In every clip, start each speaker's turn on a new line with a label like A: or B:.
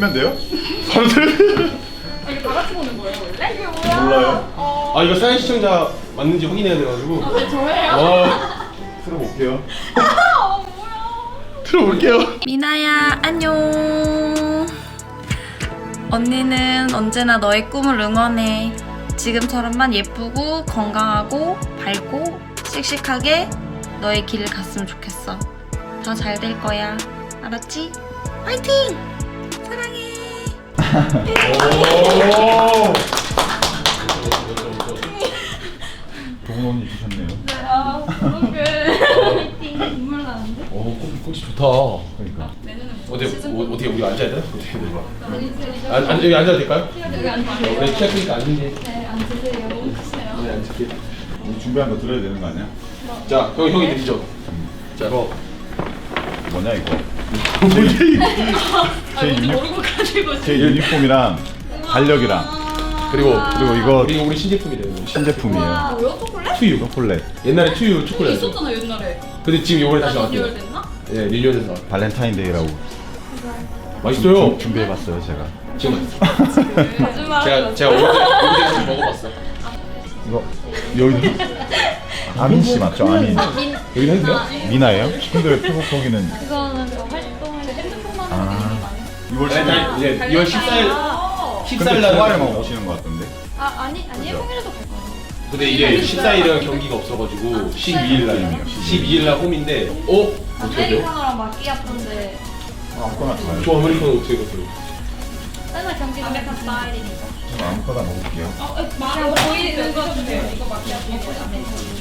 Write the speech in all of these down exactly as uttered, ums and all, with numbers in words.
A: 틀면 돼요? 바로 틀면
B: 아, 이거 다 같이 보는 거예요 원래? 이게 뭐야?
A: 몰라요.
B: 어...
C: 아 이거 사연 시청자 맞는지 확인해야 돼가지고.
B: 아, 네, 저예요?
C: 아,
A: 틀어볼게요.
B: 아, 뭐야?
A: 틀어볼게요.
D: 미나야 안녕. 언니는 언제나 너의 꿈을 응원해. 지금처럼만 예쁘고 건강하고 밝고 씩씩하게 너의 길을 갔으면 좋겠어. 더 잘 될 거야. 알았지? 화이팅! 사랑해.
A: 오. 좋은 언니 주셨네요.
B: 아, 어떡해. 눈물 나는데?
C: 오 꽃, 꽃이 좋다.
A: 그러니까.
B: 내년에
C: 어디 어, 어떻게 우리 앉아야 되나? 어떻게 해야 되나?
B: 시즌
C: 안, 안, 여기 앉아도 될까요?
B: 여기 앉으세요.
C: 내 키가 크니까 앉는데.
B: 네, 앉으세요. 너무 크시네요.
C: 네 앉을게.
A: 우리 준비한 거 들어야 되는 거 아니야?
C: 자, 형 형이 드리죠. 자,
A: 이거 뭐냐 이거?
B: 아,
A: 제
B: 뭔지
A: 유니-
B: 모르고 가지고
A: 제 유니폼이랑 달력이랑
C: 그리고
A: 그리고 이거
C: 우리 우리 신제품이래요.
A: 신제품이에요.
B: 뭐야? 초콜릿?
C: 투유.
A: 초콜릿
C: 옛날에 투유 초콜릿.
B: 있었잖아 옛날에.
C: 근데 지금 이번에 다시
B: 아,
C: 나왔대요.
B: 리뉴얼 됐나?
C: 예, 리뉴얼돼서 나왔.
A: 발렌타인데이라고
C: 맛있어요.
A: 준비해봤어요 제가.
C: 지금
B: 거짓말.
C: 제가 제가 오늘에서 먹어봤어.
A: 이거 여기 아민 씨 맞죠? 아민
C: 여기 했어요?
A: 미나예요? 근데 왜 태국 거기는
B: 이거는 그 활동할 때 핸드폰만
A: 아.
B: 하는 게 많이.
A: 이월
C: 네, 이제 이월 십사일
B: 아,
C: 십사일
A: 근데
C: 날
A: 주말에만 오시는 것 같던데.
B: 아 아니 아니에요.
A: 그죠?
B: 평일에도 갈 거예요.
C: 근데 이게 십사일은 경기가 없어가지고 십이일 날 십이일 날 홈인데 어? 어떻게 돼요?
B: 아메리카노랑 마끼아토인데
A: 아, 아무거나 좋아요.
C: 저 아메리카노 어떻게 갔어요?
B: 맨날 경기 아메리카노 스타일이니까.
A: 저는 아무거나 먹을게요.
B: 어, 그냥 보이는 거 주세요. 이거 마끼아토 이거 아메리카노.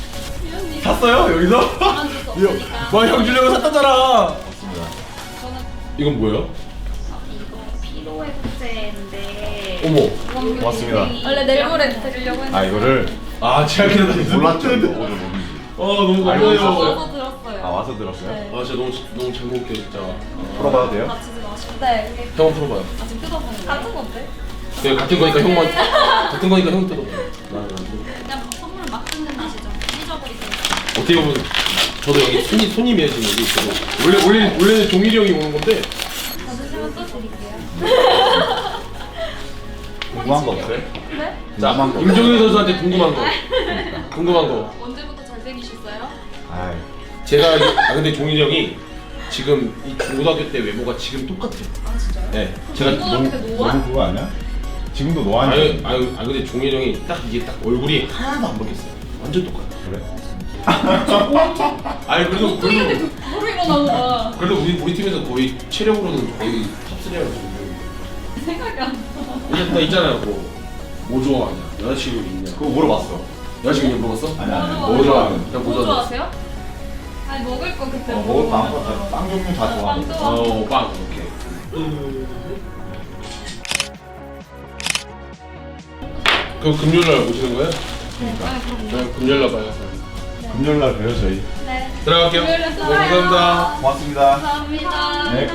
C: 샀어요 여기서?
B: 안 줬어 없으니까.
C: 뭐형 주려고 샀다잖아.
A: 맞습니다.
B: 저는
C: 이건 뭐예요?
B: 어, 이거 피로 회복제인데.
C: 어머.
A: 고맙습니다.
B: 원래 내일 모레 드리려고 했는데.
A: 아 이거를
C: 아 제가 기다렸어요.
A: 몰랐죠 이거 오늘 뭔지.
C: 아 너무
A: 알고
C: 감사해요.
A: 있었어요?
B: 와서 들었어요.
A: 아 와서 들었어요?
B: 네.
C: 아 진짜 너무 너무 잘 먹을게요 진짜.
A: 풀어봐도 돼요?
B: 다치지 마시고. 네. 이게
C: 형 풀어봐요.
B: 아직 뜯어보는 거. 같은 건데?
C: 네 같은 거니까 형만 같은 거니까 형 뜯어봐요. 나는 안 뜯어.
B: 그냥 선물 막 뜯는 맛이죠. 찢어버리고.
C: 어떻게 보면 저도 여기 손님 손님이에요 지금 여기 있어도. 원래 원래 원래는 종일이 형이 오는 건데.
B: 받으시면 또 드릴게요.
A: 궁금한 거 없어요?
B: 네?
C: 자
A: 궁금한 거
C: 임종현 선수한테 궁금한 거. 궁금한 거.
B: 언제부터 잘생기셨어요?
A: 아이
C: 제가 이- 아 근데 종일이 형이 지금 이 고등학교 때 외모가 지금 똑같아요.
B: 아 진짜요?
C: 네. 제가
B: 고등학교 때 노안?
A: 너무 그거 아니야? 지금도
C: 아유
A: 노안이
C: 아유 아 근데 종일이 형이 딱 이게 딱 얼굴이 하나도 안 바뀌었어요. 완전 똑같아.
A: 그래?
C: 아니 그래도 그래도
B: 바로 일어나고
C: 그래도 우리 우리 팀에서 거의 체력으로는 거의 탑쓰리라고 보고.
B: 생각이 안 나.
C: 이제 나 있잖아요. 뭐, 뭐 좋아하냐? 여자친구 있냐?
A: 그거 물어봤어.
C: 여자친구 있냐 물어봤어?
A: 아니 아니
B: 뭐
C: 뭐 좋아하냐?
A: 좋아하는
C: 그냥
B: 뭐
C: 뭐 좋아하냐?
B: 좋아하세요? 아니 먹을 거 그때
A: 어, 먹을 거 아무거나 다- 빵 종류 다 좋아하고.
B: 빵도
C: 어, 빵. 오케이. 그럼 금요일 날 오시는 거예요?
B: 아 그럼
C: 네, 금요일 날 봐요.
A: 금요일 날 봬요 저희.
B: 네.
C: 들어갈게요.
B: 금요일에
C: 네,
B: 써요.
C: 감사합니다.
A: 고맙습니다.
B: 감사합니다.
A: 네.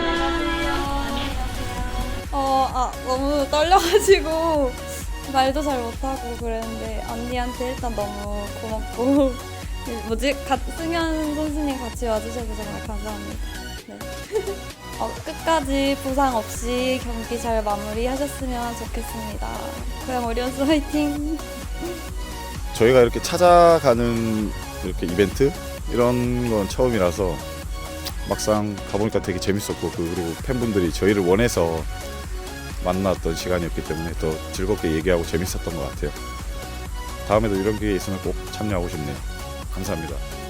E: 어, 아, 너무 떨려가지고 말도 잘 못하고 그랬는데 언니한테 일단 너무 고맙고 뭐지? 가, 승현 선수님 같이 와주셔서 정말 감사합니다. 네. 어, 끝까지 부상 없이 경기 잘 마무리하셨으면 좋겠습니다. 고양 오리온스 화이팅!
F: 저희가 이렇게 찾아가는 이렇게 이벤트 이런 건 처음이라서 막상 가보니까 되게 재밌었고 그 그리고 팬분들이 저희를 원해서 만났던 시간이었기 때문에 더 즐겁게 얘기하고 재밌었던 것 같아요. 다음에도 이런 기회 있으면 꼭 참여하고 싶네요. 감사합니다.